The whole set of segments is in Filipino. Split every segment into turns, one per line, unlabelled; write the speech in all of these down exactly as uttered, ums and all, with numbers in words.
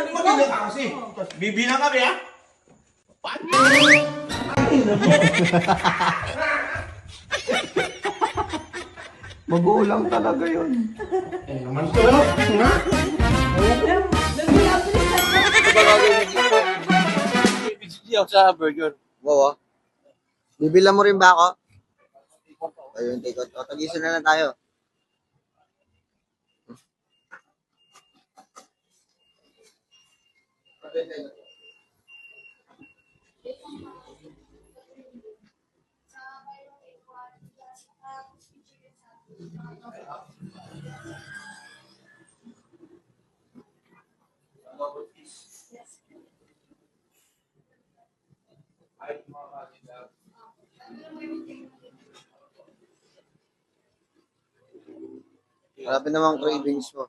Maganda ka kasi. Bibilang kami, ha? Paano?
Magulang talaga yun.
Eh, naman ko, no? Ha?
Bibigyan ako sa burger.
Oo. Bibilang mo rin ba ako? Ayun, take out. O, tagisan na lang tayo. Marami namang cravings mo.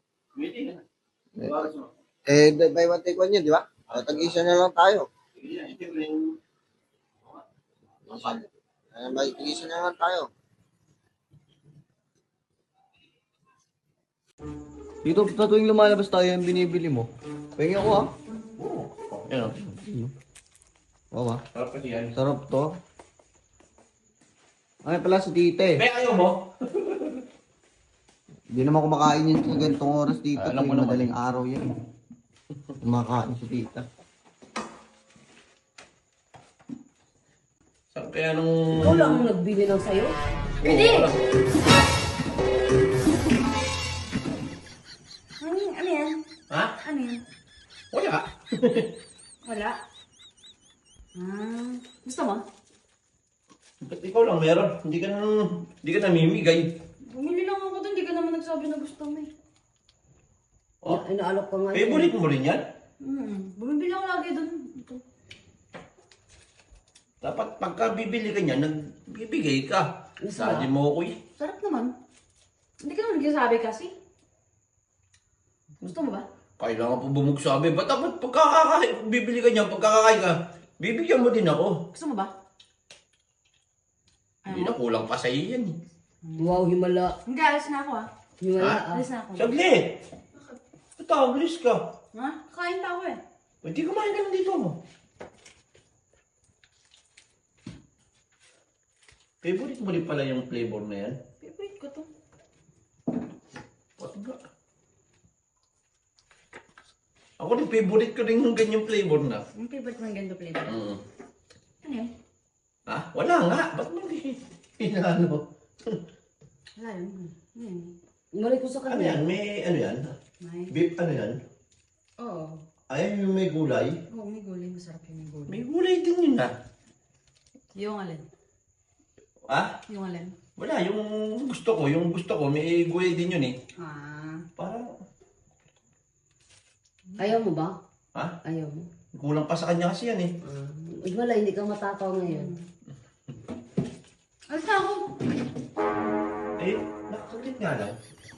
Eh, buy one take one yun, di ba? O, tag-isa na lang tayo. Ay, tag-isa na lang tayo.
Dito, sa tuwing lumalabas tayo yung binibili mo. Pahingi ako ah.
Yan,
Oo ah.
sarap kasi yan.
Sarap to. Ay pala si tita eh.
Be, ayaw mo?
Hindi naman kumakain yun sa ganitong oras dito.
Ah, alam ko
tuwing
naman.
madaling araw yan. Kumakain si tita.
Saan kaya nung...
Ikaw lang ang nagbili ng sayo?
Hindi!
Ano, ano yan?
Ha?
Ano yan?
Wala.
Wala. Ah, gusto mo?
Ba't ikaw lang meron? Hindi ka nang... Hindi ka namimigay.
Bumili lang ako doon, di ka naman nagsabi na gusto mo eh.
Oh,
Ay, naalok ka nga.
favorite mo rin yan?
Hmm, bumibili ako lagi doon. Ito.
Dapat pagka bibili ka niya, nagbibigay ka.
Yes,
Sabi mo ako eh.
Sarap naman. Hindi ka naman nagsasabi kasi. Gusto mo ba?
Kailangan po bumugsabi. Ba't dapat pagkakakain, bibili ka niya, pagkakakain ka, bibigyan mo din ako.
Gusto mo ba?
Hindi na kulang pa sa iyo yan eh.
Wow, himala. Hindi, alis na ako ah. Himala
Ha?
ah. Alis na ako.
Saglit! Natabilis ka.
Ha? Kain pa ako eh.
Hindi kumain ka lang dito mo. Favorite mo rin pala yung flavor na yan?
Favorite ko to.
Pati ba? Ako rin, favorite ko rin yung ganyang flavor na.
Yung favorite mo yung ganito flavor?
Mm.
Ano yun?
Ha? Wala nga. Ba't mo hindi pinano?
Wala yun. Ano yun? Umalik ko sa
Ano
kanya.
yan? May ano yan?
May.
Beef ano yan?
Oo.
Ay, yung may gulay.
Oo, may gulay. Masarap yung may gulay.
May gulay din yun na.
Yung alin?
Ha?
Yung alin?
Wala, yung gusto ko, yung gusto ko, may gulay din yun eh.
Ah.
Parang,
Ayaw mo ba?
ha?
Ayaw mo?
Kulang pa sa kanya kasi yan eh.
Ah. Wala, hindi ka matataw ngayon. Alis na ako!
Eh, nakakalit nga lang.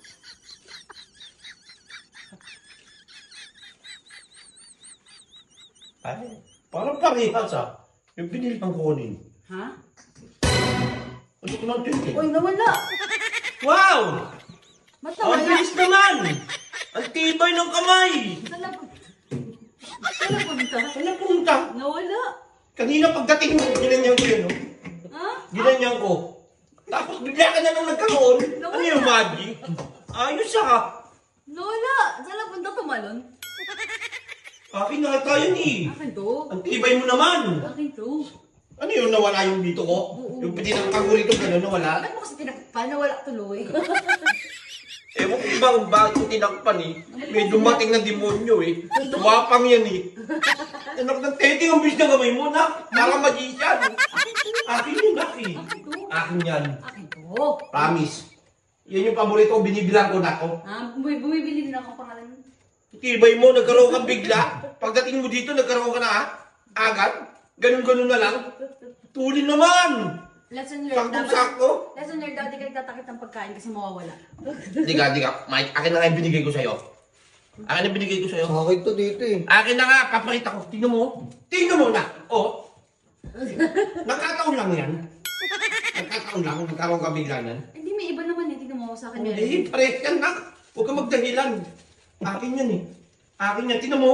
Ay, parang parehas ah. Yung binili kang kunin.
Ha?
Ano ko lang din eh.
Uy, nawala!
Wow!
Ba't
Ang
nawala?
bilis naman! Ang tibay ng kamay!
Saan na punta? Saan na punta?
Saan na punta?
Nawala!
Kanina pagdating mo, ginanyan ko yun, no?
Ha?
Ginanyan ko. Tapos bigla ka na nang nagkaroon.
Nawala.
Ano yung magic? Ayos ah.
Nawala! Saan na punta tumalon?
Akin na tayo ni.
Akin to.
Ang tibay mo naman.
Akin to.
Ano yun, nawala yung dito ko?
Oo.
Yung pinakang ko rito, gano'n, nawala?
Bakit mo kasi tinakpan? Nawala tuloy.
Ewan ko ba kung bakit ko tinakpan eh. May dumating na demonyo eh. Tumapang yan eh. Anak ng tete, ang bilis na gamay mo na. Parang magician. Akin yun, akin.
Akin to.
Akin yan.
Akin to.
Promise. Yan yung paborito ko, binibilang ko na ako.
Ah, bumi- bumibili din ako pangalan.
Tibay mo, nagkaroon ka bigla. Pagdating mo dito, nagkaroon ka na ha? Agad? Ganun-ganun na lang? Tuli naman!
Lesson learned. dapat-
Sakto-sakto?
Lesson learned, dapat di ka nagtatakit ng pagkain kasi mawawala.
Di ka, di ka. Mike, akin na nga yung binigay ko sa'yo. Akin na binigay ko sa'yo.
Sa akin to dito eh.
Akin na nga, papakita ko. Tingnan mo. Tingnan mo na. Oh. Nagkataon lang yan. Nagkataon lang. Nagkaroon ka biglanan.
Hindi, may iba naman eh. Tignan mo sa akin meron.
Eh, pares yan na. Huwag ka magdahilan. Akin yan eh. Akin yan. Tingnan mo.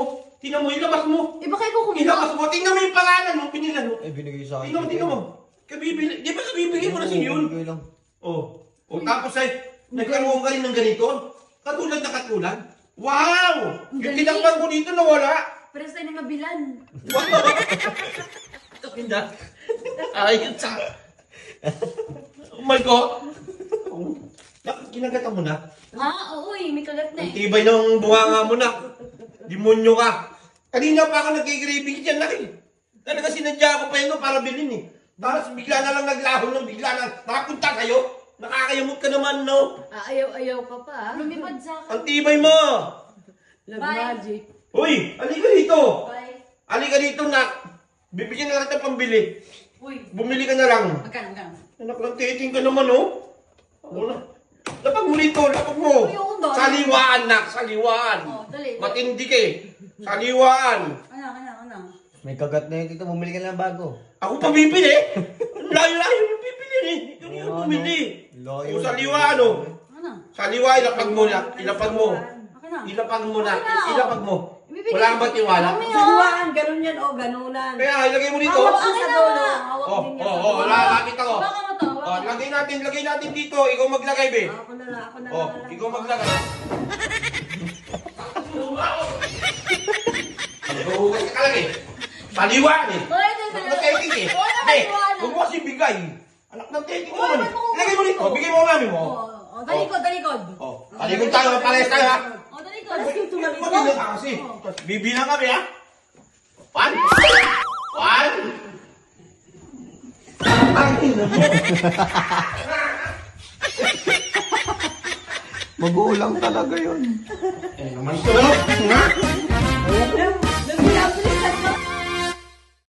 Tingnan mo, ilabas mo.
Eh, baka ikaw
Ilabas
kumuha.
mo. Tingnan mo yung pangalan mo, pinilan mo.
Eh, binigay sa akin.
Tingnan mo, tingnan mo. Kabibili, di ba kabibigay mo na si yun?
Binigay lang.
Oh. O tapos ay, nagkaroon ka rin ng ganito? Katulad na katulad? Wow!
Ang
Yung
galing.
tinakpan ko dito nawala.
Pero tayo ng mabilan.
Wow! Ito ayun sa... Oh my God! Oh. Bakit kinagatan mo na?
Ha? Oo eh, may kagat na
Ang
eh.
tibay ng bunganga mo na. Demonyo ka. Kanina pa ako nagkikiribig dyan na eh. Talaga sinadya ko pa yun no, para bilhin eh. Tapos bigla na lang naglaho ng bigla na. Nakapunta kayo. Nakakayamot ka naman no.
Ah, ayaw-ayaw ka pa ah. Lumipad sa akin.
Ang tibay mo.
Love magic.
Uy, halika dito.
Bye.
Halika dito nak. Bibigyan na kita pambili.
Uy,
Bumili ka na lang.
magkano, magkano?
Anak lang, titing ka naman oh. Ako na. Lapag mo dito, lapag mo.
Uy, oo, dali.
Saliwaan nak, saliwaan.
Oh, dali.
Matindi ka eh. Saliwaan.
Ano, ano, ano?
May kagat na yun, tito. Bumili ka na ng bago.
Ako pa bibili. Layo-layo yung bibili eh. Ikaw yung
Oo,
bumili.
Layo.
O saliwaan oh.
Ano?
Saliwa, ilapag mo na. Ilapag mo.
Akin na.
Ilapag mo na.
Okay na, oh.
Ilapag mo.
Ibibigay-
Wala kang ba tiwala?
Mami, oh.
Saliwaan, ganun yan o, ganunan.
Kaya ilagay mo dito.
Hawak
Akin
sa
na.
dulo. Hawak
Oh,
din niya
oh,
sa
oh,
dulo.
lalapit ako.
Baka mo to.
Oh, lagay natin, lagay natin dito. Ikaw maglagay, be.
Ako na lang, ako na
Oh,
lang.
ikaw maglagay. Huwag ka kalagay. Saliwaan eh.
Hoy, ito, ito.
Anak ng teting eh.
Wala
Hindi,
naniwala.
huwag mo kasi bigay. Anak ng teting mo
Wala,
naman eh.
ba't mo-
Ilagay mo dito, bigay mo ang mami mo.
Oh, oh, talikod, talikod.
Oh, talikod tayo, parehas tayo ha.
Oh, talikod.
Maganda ka kasi. Bibilang kami ha. One. One. Ang ina mo.
Magulang talaga yun.
Eh naman ito. Ha?